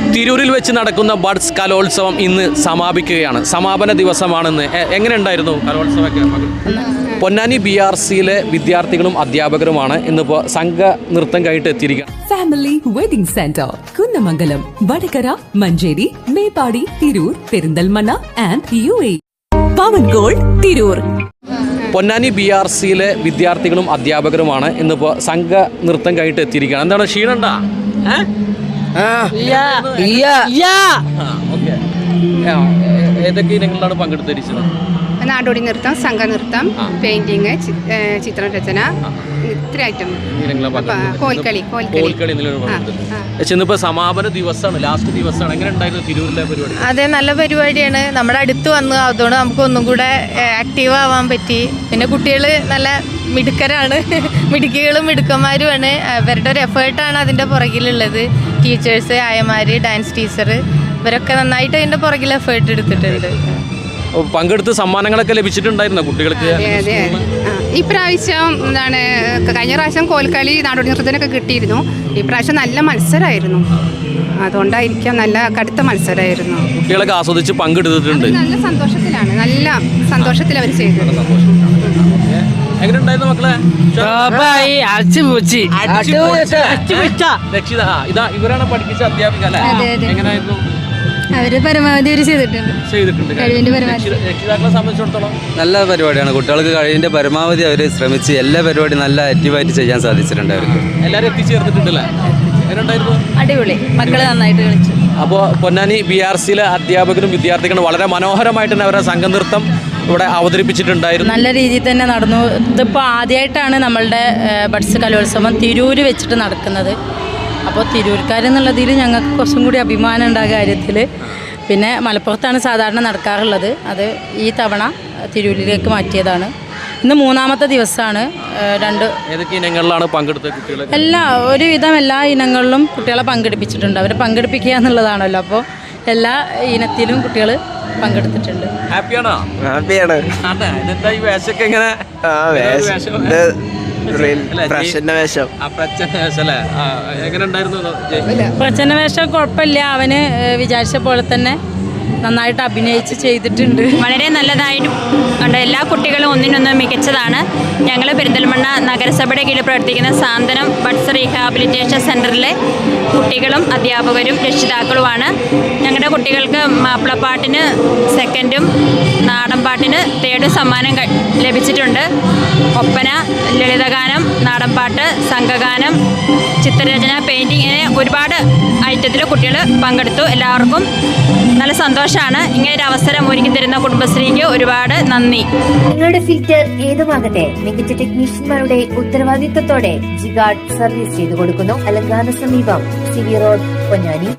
തിരൂരിൽ വെച്ച് നടക്കുന്ന ബഡ്സ് കലോത്സവം ഇന്ന് സമാപിക്കുകയാണ്. സമാപന ദിവസമാണെന്ന്. എങ്ങനെ ഉണ്ടായിരുന്നു കലോത്സവമൊക്കെ? പൊന്നാനി BRCയിലെ വിദ്യാർത്ഥികളും അധ്യാപകരുമാണ് ഇന്നിപ്പോൾ സംഘ നൃത്തം കഴിഞ്ഞിട്ട് എത്തിയിരിക്കുന്നത്. Family wedding centre Kunnamangalam, Vadakara, Manjeri, Meppadi, Tirur, Perinthalmanna and UAE. Pavan gold Tirur. Ponnani BRCയിലെ വിദ്യാർത്ഥികളും അധ്യാപകരുമാണ് ഇന്നിപ്പോൾ സംഘ നൃത്തം കഴിഞ്ഞിട്ട് എത്തിയിരിക്കുകയാണ്. എന്താണ് ക്ഷീണണ്ടാ? ഏതൊക്കെ ഇനങ്ങളിലാണ് പങ്കെടുത്തിരിച്ചത്? നാടോടി നൃത്തം, സംഘനൃത്തം, പെയിന്റിങ്, ചിത്രരചന, ഇത്ര ഐറ്റം. കോൽക്കളി. ഇന്നിപ്പോ സമാപന ദിവസമാണ്, ലാസ്റ്റ് ദിവസമാണ്. എങ്ങനെ ഉണ്ടായിരുന്നു തിരൂരിലെ പരിപാടി? അതെ, നല്ല പരിപാടിയാണ്. നമ്മുടെ അടുത്ത് വന്നു, അതുകൊണ്ട് നമുക്ക് ഒന്നും കൂടെ ആക്റ്റീവ് ആവാൻ പറ്റി. പിന്നെ കുട്ടികൾ നല്ല മിടുക്കരാണ്, മിടുക്കികളും മിടുക്കന്മാരുമാണ്. അവരുടെ ഒരു എഫേർട്ടാണ് അതിൻ്റെ പുറകിലുള്ളത്. ടീച്ചേഴ്സ്, ആയമാര്, ഡാൻസ് ടീച്ചർ, ഇവരൊക്കെ നന്നായിട്ട് അതിൻ്റെ പുറകിൽ എഫേർട്ട് എടുത്തിട്ടുണ്ട്. പങ്കെടുത്ത് സമ്മാനങ്ങളൊക്കെ ലഭിച്ചിട്ടുണ്ടായിരുന്നോ കുട്ടികൾക്ക്? അതെ. ഈ പ്രാവശ്യം എന്താണ്, കഴിഞ്ഞ പ്രാവശ്യം കോൽക്കളി, നാടോടി നൃത്തത്തിനൊക്കെ കിട്ടിയിരുന്നു. ഈ പ്രാവശ്യം നല്ല മത്സരമായിരുന്നു. അതുകൊണ്ടായിരിക്കാം, നല്ല കടുത്ത മത്സരമായിരുന്നു. കുട്ടികളൊക്കെ ആസ്വദിച്ച് പങ്കെടുത്തിട്ടുണ്ട്. നല്ല സന്തോഷത്തിലാണ്, നല്ല സന്തോഷത്തിൽ അവർ ചെയ്തത്. എങ്ങനെയുണ്ടായിരുന്നു മക്കളെ? രക്ഷിത, ഇതാ ഇവരാണ് പഠിപ്പിച്ച അധ്യാപിക അല്ലേ? എങ്ങനെയായിരുന്നു? അവര് പരമാവധി അവർ ചെയ്തിട്ടുണ്ട്. രക്ഷിതാക്കളെ സംബന്ധിച്ചിടത്തോളം നല്ല പരിപാടിയാണ്. കുട്ടികൾക്ക് കഴിവിന്റെ പരമാവധി അവർ ശ്രമിച്ച് എല്ലാ പരിപാടിയും നല്ല ആക്റ്റീവായിട്ട് ചെയ്യാൻ സാധിച്ചിട്ടുണ്ട്. അവർക്ക് എല്ലാവരും എത്തിച്ചേർന്നിട്ടുണ്ടല്ലേ? എങ്ങനെയുണ്ടായിരുന്നു? അടിപൊളി, മക്കള് നന്നായിട്ട് കളിച്ചു. അപ്പോൾ പൊന്നാനി BRCയിലെ അധ്യാപകരും വിദ്യാർത്ഥികളും വളരെ മനോഹരമായിട്ട് തന്നെ അവരുടെ സംഘനൃത്തം ഇവിടെ അവതരിപ്പിച്ചിട്ടുണ്ടായിരുന്നു. നല്ല രീതിയിൽ തന്നെ നടന്നു. ഇതിപ്പോൾ ആദ്യമായിട്ടാണ് നമ്മളുടെ ബഡ്സ് കലോത്സവം തിരൂര് വെച്ചിട്ട് നടക്കുന്നത്. അപ്പോൾ തിരൂർക്കാരെന്നുള്ളതിൽ ഞങ്ങൾക്ക് കുറച്ചും കൂടി അഭിമാനം ഉണ്ട് ആ കാര്യത്തിൽ. പിന്നെ മലപ്പുറത്താണ് സാധാരണ നടക്കാറുള്ളത്, അത് ഈ തവണ തിരൂരിലേക്ക് മാറ്റിയതാണ്. ഇന്ന് മൂന്നാമത്തെ ദിവസമാണ്. ഏതൊക്കെ ഇനങ്ങളിലാണ് പങ്കെടുത്തത് കുട്ടികൾ? ഒരുവിധം എല്ലാ ഇനങ്ങളിലും കുട്ടികളെ പങ്കെടുപ്പിച്ചിട്ടുണ്ട്. അവരെ പങ്കെടുപ്പിക്കുക എന്നുള്ളതാണല്ലോ. അപ്പോൾ എല്ലാ ഇനത്തിലും കുട്ടികൾ പങ്കെടുത്തിട്ടുണ്ട്. ഹാപ്പിയാണോ? ഹാപ്പിയാണ്. ഇതെന്താ ഈ വേഷമൊക്കെ എങ്ങനെ? പ്രച്ഛന്ന വേഷം കുഴപ്പമില്ല. അവന് വിചാരിച്ച പോലെ തന്നെ നന്നായിട്ട് അഭിനയിച്ച് ചെയ്തിട്ടുണ്ട്. വളരെ നല്ലതായിട്ട് ഉണ്ട്. എല്ലാ കുട്ടികളും ഒന്നിനൊന്ന് മികച്ചതാണ്. ഞങ്ങൾ പെരിന്തൽമണ്ണ നഗരസഭയുടെ കീഴിൽ പ്രവർത്തിക്കുന്ന സാന്ത്വനം ബഡ്സ് റീഹാബിലിറ്റേഷൻ സെൻ്ററിലെ കുട്ടികളും അധ്യാപകരും രക്ഷിതാക്കളുമാണ്. ഞങ്ങളുടെ കുട്ടികൾക്ക് മാപ്പിളപ്പാട്ടിന് സെക്കൻഡും നാടൻ പാട്ടിന് തേർഡും സമ്മാനം ലഭിച്ചിട്ടുണ്ട്. ഒപ്പന, ലളിതഗാനം, നാടൻപാട്ട്, സംഘഗാനം, ചിത്രരചന, പെയിൻറ്റിങ്, ഇങ്ങനെ ഒരുപാട് ഐറ്റത്തിൽ കുട്ടികൾ പങ്കെടുത്തു. എല്ലാവർക്കും നല്ല സന്തോഷമാണ്. ഇങ്ങനെ ഒരു അവസരം ഒരുക്കി തരുന്ന കുടുംബശ്രീക്ക് ഒരുപാട് നന്ദി. നിങ്ങളുടെ ഫിൽറ്റർ ഏതുമാകട്ടെ, മികച്ച ടെക്നീഷ്യന്മാരുടെ ഉത്തരവാദിത്വത്തോടെ ജിഗാർഡ് സർവീസ് ചെയ്തു കൊടുക്കുന്നു. അലങ്കാന സമീപം, CV റോഡ്, പൊന്നാനി.